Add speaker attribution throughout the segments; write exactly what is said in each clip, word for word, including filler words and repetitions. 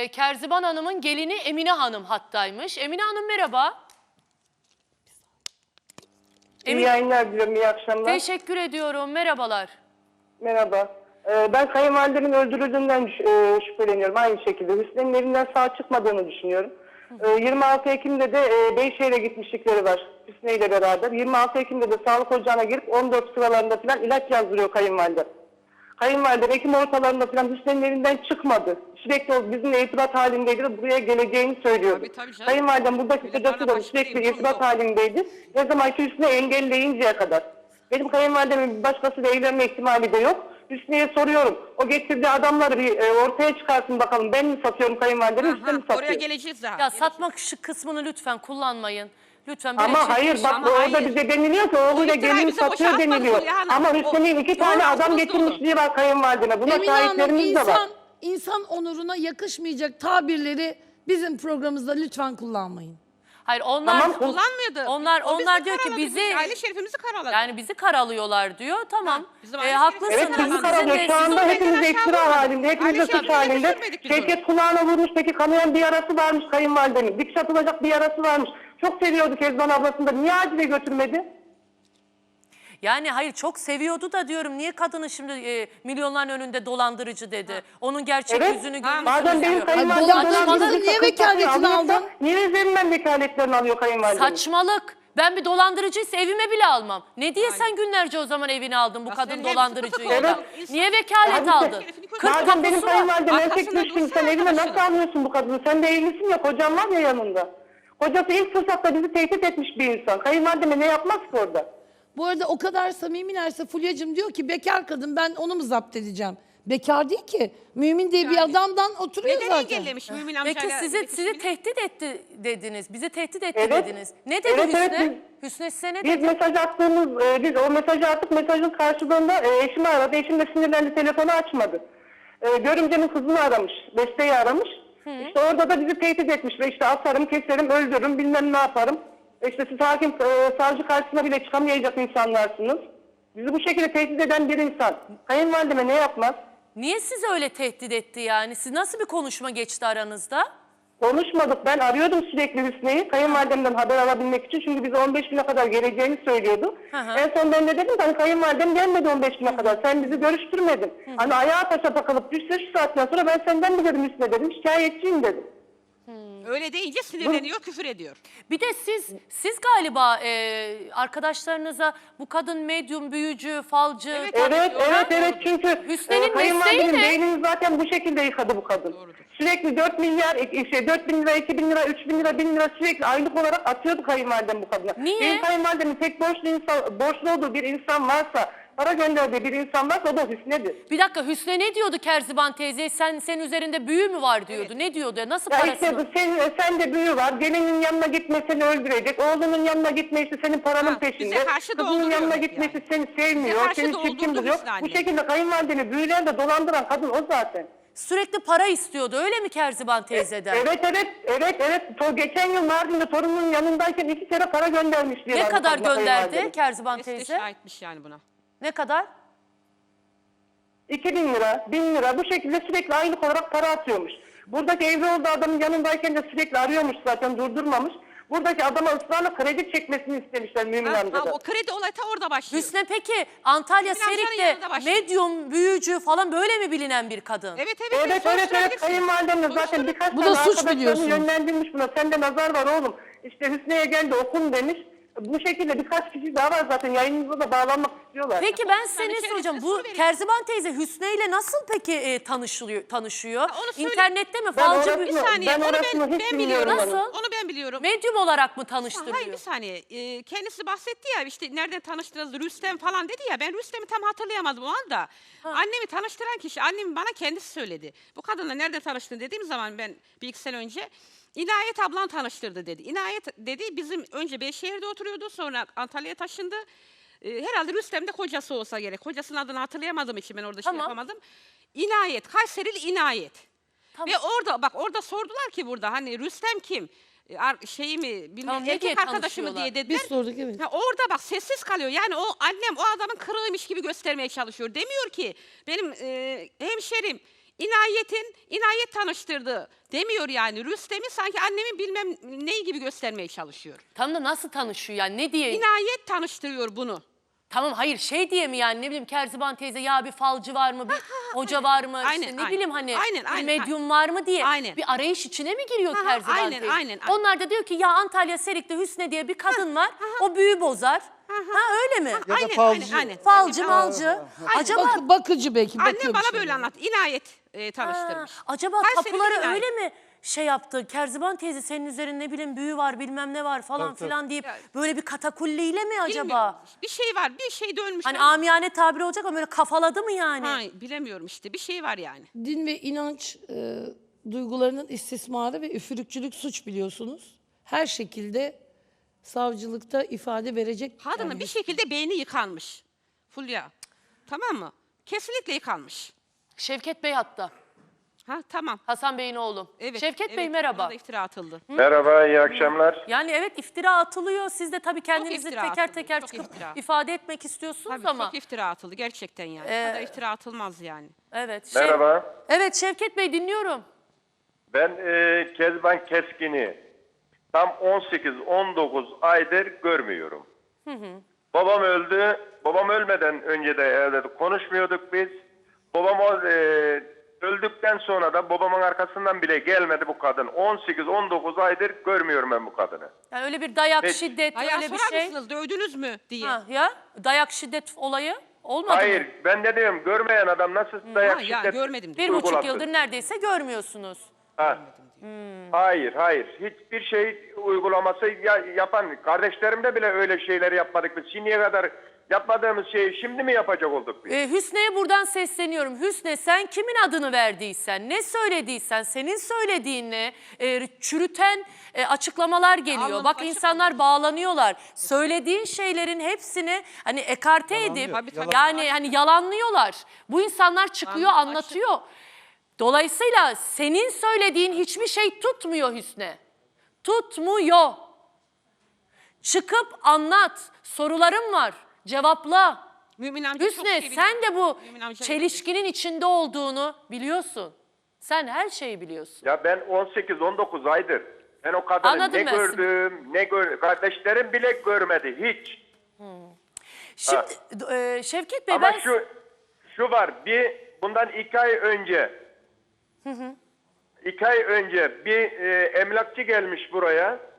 Speaker 1: e, Kerziban Hanım'ın gelini Emine Hanım hattaymış. Emine Hanım merhaba.
Speaker 2: İyi
Speaker 1: Emine,
Speaker 2: yayınlar diliyorum, iyi akşamlar.
Speaker 1: teşekkür ediyorum. Merhabalar.
Speaker 2: Merhaba. Ee, ben kayınvalidemin öldürüldüğünden e, şüpheleniyorum. Aynı şekilde Hüsnü'nün evinden sağ çıkmadığını düşünüyorum. Ee, yirmi altı Ekim'de de e, Beyşehir'e gitmişlikleri var Hüsnü ile beraber. yirmi altı Ekim'de de sağlık ocağına girip on dört sıralarında falan ilaç yazdırıyor kayınvalide. Kayınvalide Ekim ortalarında falan Hüsnü'nün evinden çıkmadı. Sürekli o bizimle irtibat halindeydi ve buraya geleceğini söylüyordu.
Speaker 3: Tabii, tabii canım.
Speaker 2: Kayınvalidem buradaki
Speaker 3: Bir de
Speaker 2: kocası
Speaker 3: bana
Speaker 2: da
Speaker 3: başka
Speaker 2: sürekli
Speaker 3: bir durum
Speaker 2: irtibat
Speaker 3: yok.
Speaker 2: halindeydi. Ne zamanki Hüsnü engelleyinceye kadar. Benim kayınvalidemin bir başkasıyla evlenme ihtimali de yok. Hüsnü'ye soruyorum. O getirdiği adamları bir e, ortaya çıkarsın bakalım. Ben mi satıyorum kayınvalidemi, Hüsnü mü satıyor?
Speaker 3: Oraya geleceğiz daha.
Speaker 1: Ya satmak şu kısmını lütfen kullanmayın. Lütfen böyle
Speaker 2: Ama
Speaker 1: şey-
Speaker 2: hayır bak
Speaker 3: Ama
Speaker 2: orada
Speaker 3: hayır.
Speaker 2: bize deniliyor ki oğluyla
Speaker 3: O
Speaker 2: gelin
Speaker 3: iftirayı bize
Speaker 2: satıyor
Speaker 3: boşa atmadı
Speaker 2: deniliyor.
Speaker 3: Fulya Hanım.
Speaker 2: Ama Hüsnü'nün
Speaker 3: O-
Speaker 2: iki tane
Speaker 3: Doğru,
Speaker 2: adam
Speaker 3: haklısınız,
Speaker 2: getirmişliği var kayınvalideme. Buna
Speaker 4: Emine Hanım,
Speaker 2: şahitlerimiz de var.
Speaker 4: insan, insan onuruna yakışmayacak tabirleri bizim programımızda lütfen kullanmayın.
Speaker 1: Hayır onlar
Speaker 2: Tamam,
Speaker 3: Kullanmıyordu.
Speaker 1: onlar
Speaker 3: O bizi
Speaker 1: onlar diyor ki
Speaker 3: karaladı,
Speaker 1: bizi
Speaker 3: biz aile şerifimizi karaladı.
Speaker 1: yani bizi karalıyorlar diyor. Tamam.
Speaker 3: Ha, bizim
Speaker 1: Ee,
Speaker 3: aile
Speaker 1: haklısınız.
Speaker 2: Evet
Speaker 3: şerifimizi
Speaker 2: bizi
Speaker 3: karaladı.
Speaker 2: karalıyor.
Speaker 1: Sizin de-
Speaker 2: Şu anda
Speaker 3: sizin de
Speaker 2: hepimiz
Speaker 3: benden
Speaker 2: iftira
Speaker 3: aşağı
Speaker 2: halinde. Hepimiz de
Speaker 3: Aile
Speaker 2: suç
Speaker 3: şerifini
Speaker 2: halinde.
Speaker 3: düşürmedik biz
Speaker 2: Şevket kulağına vurmuş. Peki kanayan bir yarası varmış kayınvalidemin. Dikiş atılacak bir yarası varmış. Çok seviyordu Kezban ablasını da. Niye acile götürmedi?
Speaker 1: Yani hayır çok seviyordu da diyorum niye kadını şimdi e, milyonların önünde dolandırıcı dedi. Onun gerçek
Speaker 2: Evet.
Speaker 1: yüzünü
Speaker 3: Ha,
Speaker 1: görürsünüz
Speaker 2: Madem benim
Speaker 1: diyor.
Speaker 2: kayınvalidem
Speaker 4: dolandırıcı
Speaker 2: dolandırıcı
Speaker 4: niye
Speaker 2: sakın
Speaker 4: vekaletini
Speaker 2: sakın alıyorsa,
Speaker 4: aldın?
Speaker 2: Niye üzerinden vekaletlerini alıyor kayınvalidem?
Speaker 1: Saçmalık. Ben bir dolandırıcıysa evime bile almam. Ne diye sen günlerce o zaman evini aldın bu
Speaker 3: Ya
Speaker 1: kadın
Speaker 3: senin hep
Speaker 1: dolandırıcıyla?
Speaker 3: sıkı
Speaker 1: da?
Speaker 3: sıkı oldu.
Speaker 1: Niye vekalet
Speaker 2: Hadi
Speaker 1: aldın?
Speaker 3: sen-
Speaker 1: Kırk
Speaker 2: Madem benim
Speaker 1: tapusu var.
Speaker 2: kayınvalidem erkek
Speaker 3: Arkasında
Speaker 2: düşkün,
Speaker 3: dursana
Speaker 2: sen evine nasıl
Speaker 3: arkadaşına.
Speaker 2: alıyorsun bu kadını? Sen de evlisin ya, kocan var ya yanında. Kocası ilk fırsatta bizi tehdit etmiş bir insan. Kayınvalideme ne yapmaz ki orada?
Speaker 4: Bu arada o kadar samimilerse Fulya'cığım diyor ki bekar kadın, ben onu mu zapt edeceğim? Bekar değil ki. Mümin diye bir
Speaker 3: Yani.
Speaker 4: adamdan oturuyor
Speaker 3: Neden
Speaker 4: zaten.
Speaker 3: engellemiş Mümin
Speaker 1: Peki
Speaker 3: amcayla?
Speaker 1: sizi
Speaker 3: iletişimini?
Speaker 1: sizi tehdit etti dediniz. Bizi tehdit etti
Speaker 2: Evet.
Speaker 1: dediniz. Ne dedi
Speaker 2: Evet,
Speaker 1: Hüsnü?
Speaker 2: evet,
Speaker 1: Hüsnü size ne
Speaker 2: Biz
Speaker 1: dedi?
Speaker 2: mesaj attığımız, e, biz o mesajı attık, mesajın karşılığında e, eşimi aradı. Eşim de sinirlendi, telefonu açmadı. E, görümcemin kızını aramış, Beste'yi aramış. İşte orada da bizi tehdit etmiş ve işte atarım, keserim, öldürürüm, bilmem ne yaparım. E işte siz hakim, e, savcı karşısına bile çıkamayacak insanlarsınız. Bizi bu şekilde tehdit eden bir insan. Kayınvalideme ne yapmaz?
Speaker 1: Niye sizi öyle tehdit etti yani? Siz nasıl bir konuşma geçti aranızda?
Speaker 2: Konuşmadık. Ben arıyordum sürekli Hüsnü'yü. Kayınvalidemden haber alabilmek için. Çünkü bize on beş güne kadar geleceğini söylüyordu.
Speaker 1: Hı hı.
Speaker 2: En son ben de dedim ki hani kayınvalidem gelmedi on beş güne kadar. Sen bizi görüştürmedin. Hani ayağa taşa takılıp düşse şu saatten sonra ben senden mi dedim Hüsnü'ne dedim. Şikayetçiyim dedim.
Speaker 3: Öyle deyince sinirleniyor, küfür ediyor.
Speaker 1: Bir de siz siz galiba e, arkadaşlarınıza bu kadın medyum, büyücü, falcı...
Speaker 3: Evet,
Speaker 2: Evet,
Speaker 3: Doğrudur.
Speaker 2: evet, evet. Çünkü
Speaker 1: Hüsnü'nün
Speaker 2: e, kayınvalidemin
Speaker 1: mesleği ne?
Speaker 2: beynini zaten bu şekilde yıkadı bu kadın. Sürekli dört milyar, e, şey, dört bin lira, iki bin lira, üç bin lira, bin lira sürekli aylık olarak atıyordu kayınvalidem bu kadına.
Speaker 1: Niye?
Speaker 2: Benim kayınvalidemin tek borçlu, insan, borçlu olduğu bir insan varsa, para gönderdiği bir insan varsa o da Hüsnü'dür.
Speaker 1: Bir dakika Hüsnü ne diyordu Kerziban teyze? Sen senin üzerinde büyü mü var diyordu. Ne diyordu? Nasıl
Speaker 2: Ya
Speaker 1: parasını?
Speaker 2: işte sen, sen de büyü var. Gelinin yanına gitme seni öldürecek. Oğlunun yanına gitme işte senin paranın
Speaker 3: Ha,
Speaker 2: peşinde.
Speaker 3: bize karşı
Speaker 2: Kızının
Speaker 3: dolduruyor
Speaker 2: yanına
Speaker 3: yani.
Speaker 2: gitmesi seni
Speaker 3: Bize
Speaker 2: sevmiyor.
Speaker 3: karşı
Speaker 2: Seni çirkin
Speaker 3: doldurdu
Speaker 2: buluyor.
Speaker 3: Hüsnü anne.
Speaker 2: Bu şekilde kayınvalideni büyülerle dolandıran kadın o zaten.
Speaker 1: Sürekli para istiyordu öyle mi Kerziban teyzeden?
Speaker 2: Evet evet evet evet. To- geçen yıl Mardin'de torununun yanındayken iki kere para göndermiş diye.
Speaker 1: Ne
Speaker 2: ben bu
Speaker 1: kadar
Speaker 2: kadına
Speaker 1: gönderdi
Speaker 2: kayınvalidem.
Speaker 1: Kerziban
Speaker 3: Beste
Speaker 1: teyze?
Speaker 3: şahitmiş yani buna.
Speaker 1: Ne kadar?
Speaker 2: iki bin lira, bin lira bu şekilde sürekli aylık olarak para atıyormuş. Buradaki evli olduğu adamın yanındayken de sürekli arıyormuş zaten durdurmamış. Buradaki adama ısrarla kredi çekmesini istemişler Mümin
Speaker 3: Ha, ha,
Speaker 2: amcadan.
Speaker 3: o kredi olayı ta orada başlıyor.
Speaker 1: Hüsnü peki Antalya
Speaker 3: Hüsnü amcanın
Speaker 1: Serik'te
Speaker 3: yanında başlıyor.
Speaker 1: medyum, büyücü falan böyle mi bilinen bir kadın?
Speaker 3: Evet evet.
Speaker 2: Evet evet evet
Speaker 3: soruşturabilirsin.
Speaker 2: kayınvalidem de zaten
Speaker 3: Soruşturun.
Speaker 2: birkaç
Speaker 4: Bu da
Speaker 2: tane
Speaker 4: suç
Speaker 2: arkadaşlarını
Speaker 4: biliyorsun.
Speaker 2: yönlendirmiş buna. Sende nazar var oğlum. İşte Hüsnü'ye gel de okun demiş. Bu şekilde birkaç kişi daha var zaten yayınınıza da bağlanmak istiyorlar.
Speaker 1: Peki ben size
Speaker 3: Yani
Speaker 1: ne
Speaker 3: içerisine
Speaker 1: soracağım?
Speaker 3: su
Speaker 1: Bu
Speaker 3: verin.
Speaker 1: Kerziban teyze Hüsnü ile nasıl peki e, tanışılıyor, tanışıyor?
Speaker 3: onu söyle-
Speaker 1: İnternette mi?
Speaker 2: Ben
Speaker 1: Falcı
Speaker 2: orasını-
Speaker 1: bir
Speaker 3: Bir saniye
Speaker 2: Ben
Speaker 3: onu
Speaker 2: orasını
Speaker 3: ben,
Speaker 2: hiç
Speaker 3: ben
Speaker 2: bilmiyorum
Speaker 3: biliyorum.
Speaker 1: Nasıl?
Speaker 3: Onu ben biliyorum.
Speaker 1: medyum olarak mı tanıştırıyor?
Speaker 3: Hayır bir saniye. Ee, kendisi bahsetti ya işte nereden tanıştınız Rüstem falan dedi ya. Ben Rüstem'i tam hatırlayamadım o anda. Annemi tanıştıran kişi annem bana kendisi söyledi. Bu kadınla nerede tanıştın dediğim zaman ben bir iki sene önce İnayet ablan tanıştırdı dedi. İnayet dedi bizim önce Beyşehir'de oturuyordu sonra Antalya'ya taşındı. Ee, herhalde Rüstem de kocası olsa gerek. Kocasının adını hatırlayamadığım için ben orada
Speaker 1: Tamam.
Speaker 3: şey yapamadım. İnayet, Kayserili İnayet.
Speaker 1: Tamam.
Speaker 3: Ve orada bak orada sordular ki burada hani Rüstem kim? E, ar- Şeyi mi bilmem
Speaker 1: Tamam, ne diye
Speaker 3: erkek arkadaşı mı
Speaker 1: tanışıyorlar?
Speaker 3: diye dediler.
Speaker 4: Biz sorduk, evet.
Speaker 3: Ha, orada bak sessiz kalıyor. Yani o annem o adamın kırığıymış gibi göstermeye çalışıyor. Demiyor ki benim e, hemşerim İnayet'in, İnayet tanıştırdı demiyor yani. Rüstem'i sanki annemin bilmem neyi gibi göstermeye çalışıyor.
Speaker 1: Tam da nasıl tanışıyor yani ne diye?
Speaker 3: İnayet tanıştırıyor bunu.
Speaker 1: Tamam hayır şey diye mi yani ne bileyim Kerziban teyze ya bir falcı var mı bir hoca var mı
Speaker 3: Aynen,
Speaker 1: işte ne
Speaker 3: aynen.
Speaker 1: bileyim hani
Speaker 3: Aynen,
Speaker 1: bir
Speaker 3: aynen,
Speaker 1: medyum var mı diye
Speaker 3: Aynen.
Speaker 1: bir arayış içine mi giriyor
Speaker 3: Aha,
Speaker 1: Kerziban
Speaker 3: aynen,
Speaker 1: teyze?
Speaker 3: aynen, aynen.
Speaker 1: Onlar da diyor ki ya Antalya Serik'te Hüsne diye bir kadın var o büyü bozar. Ha öyle mi?
Speaker 5: Ya da
Speaker 3: Aynen,
Speaker 5: falcı.
Speaker 3: aynen, aynen.
Speaker 1: Falcı
Speaker 3: Aynen.
Speaker 1: malcı. Acaba
Speaker 4: Bak, bakıcı belki.
Speaker 3: Annem
Speaker 4: bakıyor bir
Speaker 3: bana
Speaker 4: şey.
Speaker 3: böyle anlat. İnayet e,
Speaker 1: Ha,
Speaker 3: tanıştırmış.
Speaker 1: acaba
Speaker 3: Kayseri'de
Speaker 1: tapuları
Speaker 3: İnayet.
Speaker 1: öyle mi şey yaptı? Kerziban teyze senin üzerinde ne bileyim büyü var bilmem ne var falan
Speaker 5: Tabii, tabii.
Speaker 1: filan deyip
Speaker 3: Ya,
Speaker 1: böyle bir katakulliyle mi acaba?
Speaker 3: Bilmiyorum. Bir şey var. Bir şey dönmüş.
Speaker 1: Hani
Speaker 3: ama-
Speaker 1: amiyane tabiri olacak ama böyle kafaladı mı yani?
Speaker 3: Ha, bilemiyorum işte. Bir şey var yani.
Speaker 4: Din ve inanç e, duygularının istismarı ve üfürükçülük suç biliyorsunuz. Her şekilde savcılıkta ifade verecek.
Speaker 3: Kadının
Speaker 4: yani
Speaker 3: bir şekilde beyni yıkanmış. Fulya. Tamam mı? Kesinlikle yıkanmış.
Speaker 1: Şevket Bey hatta.
Speaker 3: Ha tamam.
Speaker 1: Hasan Bey'in oğlu.
Speaker 3: Evet.
Speaker 1: Şevket
Speaker 3: evet,
Speaker 1: Bey merhaba.
Speaker 3: ona da iftira atıldı.
Speaker 6: Merhaba, iyi akşamlar.
Speaker 1: Yani evet iftira atılıyor. Siz de tabii kendinizi
Speaker 3: iftira
Speaker 1: teker
Speaker 3: atılıyor,
Speaker 1: teker
Speaker 3: çok
Speaker 1: çıkıp
Speaker 3: iftira.
Speaker 1: ifade etmek istiyorsunuz
Speaker 3: Tabii
Speaker 1: ama.
Speaker 3: çok iftira atıldı gerçekten yani.
Speaker 1: Ee,
Speaker 3: Bu kadar iftira atılmaz yani.
Speaker 1: Evet. Şev-
Speaker 6: Merhaba.
Speaker 1: Evet Şevket Bey dinliyorum.
Speaker 6: Ben e, Kezban Keskin'i tam on sekiz on dokuz aydır görmüyorum. Babam öldü. Babam ölmeden önce de evde konuşmuyorduk biz. Babam o, e, öldükten sonra da babamın arkasından bile gelmedi bu kadın. on sekiz on dokuz aydır görmüyorum ben bu kadını.
Speaker 1: Yani öyle bir dayak,
Speaker 6: Peki.
Speaker 1: şiddet,
Speaker 3: Ayağa
Speaker 1: öyle bir
Speaker 3: sorar
Speaker 1: şey.
Speaker 3: mısınız dövdünüz mü diye.
Speaker 1: Ha, ya dayak, şiddet olayı olmadı
Speaker 6: Hayır,
Speaker 1: mı?
Speaker 6: ben de diyorum görmeyen adam nasıl dayak
Speaker 3: ha, ya,
Speaker 6: şiddet
Speaker 3: görmedim.
Speaker 1: Bir buçuk
Speaker 6: uygulasın?
Speaker 1: yıldır neredeyse görmüyorsunuz.
Speaker 6: Ha. Hayır, hayır. Hiçbir şey uygulaması ya- yapan kardeşlerimde bile öyle şeyleri yapmadık biz. Şimdiye kadar yapmadığımız şeyi şimdi mi yapacak olduk biz?
Speaker 1: Ee, Hüsne'ye buradan sesleniyorum. Hüsne sen kimin adını verdiysen, ne söylediysen, senin söylediğini e, çürüten e, açıklamalar geliyor.
Speaker 3: Alnım
Speaker 1: Bak
Speaker 3: açık
Speaker 1: insanlar bağlanıyorlar. Söylediğin şeylerin hepsini hani ekarte edip
Speaker 3: Tabii, tabii.
Speaker 1: yani hani yalanlıyorlar. Bu insanlar çıkıyor
Speaker 3: Alnım
Speaker 1: anlatıyor. Dolayısıyla senin söylediğin hiçbir şey tutmuyor Hüsne. Tutmuyor. Çıkıp anlat. Sorularım var. Cevapla.
Speaker 3: Mümin amca çok
Speaker 1: Hüsne
Speaker 3: şey
Speaker 1: sen
Speaker 3: biliyor.
Speaker 1: de bu
Speaker 3: Mümin amca-
Speaker 1: çelişkinin içinde olduğunu biliyorsun. Sen her şeyi biliyorsun.
Speaker 6: Ya ben on sekiz on dokuz aydır ben o kadını
Speaker 1: Anladım
Speaker 6: ne
Speaker 1: ben seni.
Speaker 6: gördüm, ne gör kardeşlerim bile görmedi hiç.
Speaker 1: Şimdi e, Şevket Bey
Speaker 6: Ama
Speaker 1: ben...
Speaker 6: şu şu var, bir bundan iki ay önce iki ay önce bir e, emlakçı gelmiş buraya.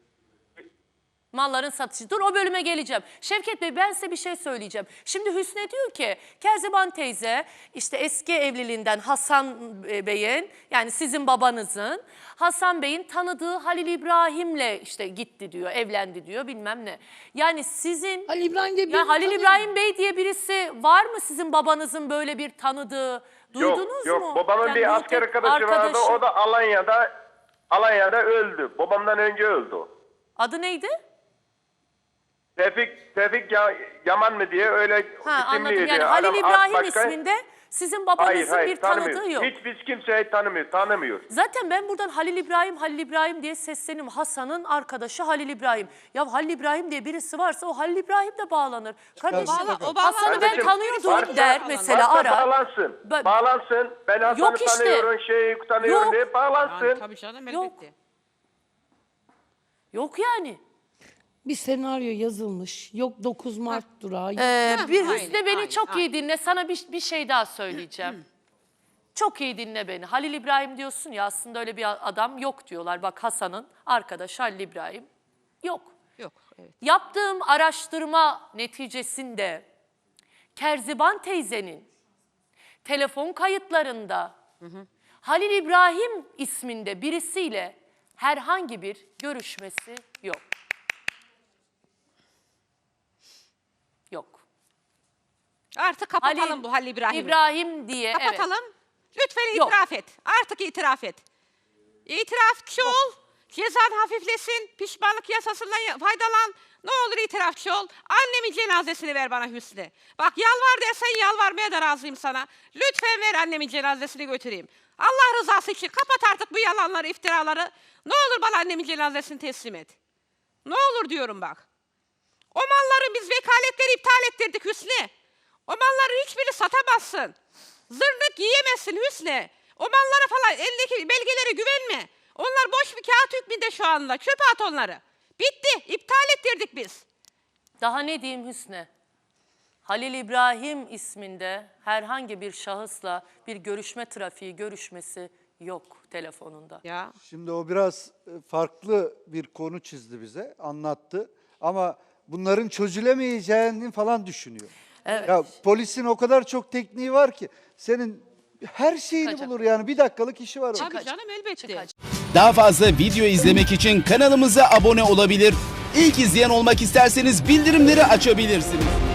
Speaker 1: Malların satışı. Dur o bölüme geleceğim. Şevket Bey ben size bir şey söyleyeceğim. Şimdi Hüsne diyor ki Kerziban teyze işte eski evliliğinden Hasan Bey'in yani sizin babanızın Hasan Bey'in tanıdığı Halil İbrahim'le işte gitti diyor, evlendi diyor bilmem ne. Yani sizin
Speaker 4: Halil İbrahim diye
Speaker 1: ya
Speaker 4: birini
Speaker 1: Halil
Speaker 4: tanıyorum.
Speaker 1: İbrahim Bey diye birisi var mı sizin babanızın böyle bir tanıdığı? Duydunuz
Speaker 6: yok, yok.
Speaker 1: mu?
Speaker 6: Babamın
Speaker 1: Yani
Speaker 6: bir
Speaker 1: bu
Speaker 6: asker
Speaker 1: tek
Speaker 6: arkadaşı vardı.
Speaker 1: arkadaşı-
Speaker 6: O da Alanya'da Alanya'da öldü. Babamdan önce öldü o.
Speaker 1: Adı neydi?
Speaker 6: Tevfik, Tevfik ya, Yaman mı diye öyle
Speaker 1: Ha anladım.
Speaker 6: isimliydi.
Speaker 1: Yani Halil
Speaker 6: Adam
Speaker 1: İbrahim
Speaker 6: başka-
Speaker 1: isminde sizin babanızın
Speaker 6: Hayır, hayır,
Speaker 1: bir tanıdığı
Speaker 6: tanımıyor.
Speaker 1: yok.
Speaker 6: Hiç biz kimseyi tanımıyor, tanımıyor.
Speaker 1: Zaten ben buradan Halil İbrahim, Halil İbrahim diye sesleniyorum. Hasan'ın arkadaşı Halil İbrahim. Ya Halil İbrahim diye birisi varsa o Halil İbrahim de bağlanır. Kardeşim
Speaker 3: Bağla- o
Speaker 1: Hasan'ı ben
Speaker 6: Kardeşim,
Speaker 1: tanıyordum
Speaker 6: varsa-
Speaker 1: der mesela
Speaker 6: varsa
Speaker 1: arar.
Speaker 6: Bağlansın,
Speaker 1: Ben-
Speaker 6: bağlansın. Ben Hasan'ı
Speaker 1: Yok işte.
Speaker 6: tanıyorum, şeyi tanıyorum
Speaker 1: Yok.
Speaker 6: diye bağlansın.
Speaker 3: Yani, tabii canım
Speaker 1: Yok.
Speaker 3: elbette.
Speaker 1: Yok yani.
Speaker 4: Bir senaryo yazılmış. Yok dokuz Mart durağı.
Speaker 1: Ee, bir
Speaker 3: aynen,
Speaker 1: Hüsnü beni
Speaker 3: aynen,
Speaker 1: çok iyi
Speaker 3: aynen.
Speaker 1: dinle. Sana bir, bir şey daha söyleyeceğim. Çok iyi dinle beni. Halil İbrahim diyorsun ya aslında öyle bir adam yok diyorlar. Bak Hasan'ın arkadaşı Halil İbrahim yok.
Speaker 3: Yok evet.
Speaker 1: Yaptığım araştırma neticesinde Kerziban teyzenin telefon kayıtlarında Halil İbrahim isminde birisiyle herhangi bir görüşmesi yok. Yok.
Speaker 3: Artık kapatalım
Speaker 1: Halil
Speaker 3: bu Halil İbrahim'i.
Speaker 1: İbrahim diye evet.
Speaker 3: Kapatalım. Lütfen
Speaker 1: Yok.
Speaker 3: itiraf et. Artık itiraf et. İtirafçı ol. Cezan hafiflesin. Pişmanlık yasasından ya- faydalan. Ne olur itirafçı ol. Annemin cenazesini ver bana Hüsnü. Bak yalvar dersen yalvarmaya da razıyım sana. Lütfen ver annemin cenazesini götüreyim. Allah rızası için kapat artık bu yalanları, iftiraları. Ne olur bana annemin cenazesini teslim et. Ne olur diyorum bak. O malları biz vekaletleri iptal ettirdik Hüsnü. O malların hiçbirini satamazsın. Zırnık yiyemezsin Hüsnü. O mallara falan elindeki belgelere güvenme. Onlar boş bir kağıt hükmünde şu anda. Çöpe at onları. Bitti. İptal ettirdik biz.
Speaker 1: Daha ne diyeyim Hüsnü? Halil İbrahim isminde herhangi bir şahısla bir görüşme trafiği, görüşmesi yok telefonunda.
Speaker 3: Ya.
Speaker 5: Şimdi o biraz e, farklı bir konu çizdi bize, anlattı. Ama bunların çözülemeyeceğini falan düşünüyor.
Speaker 1: Evet.
Speaker 5: Ya polisin o kadar çok tekniği var ki senin her şeyini
Speaker 1: Çıkacak.
Speaker 5: bulur yani, bir dakikalık işi var o.
Speaker 3: Tabii canım elbette.
Speaker 1: Çıkacak.
Speaker 7: Daha fazla video izlemek için kanalımıza abone olabilir. İlk izleyen olmak isterseniz bildirimleri açabilirsiniz.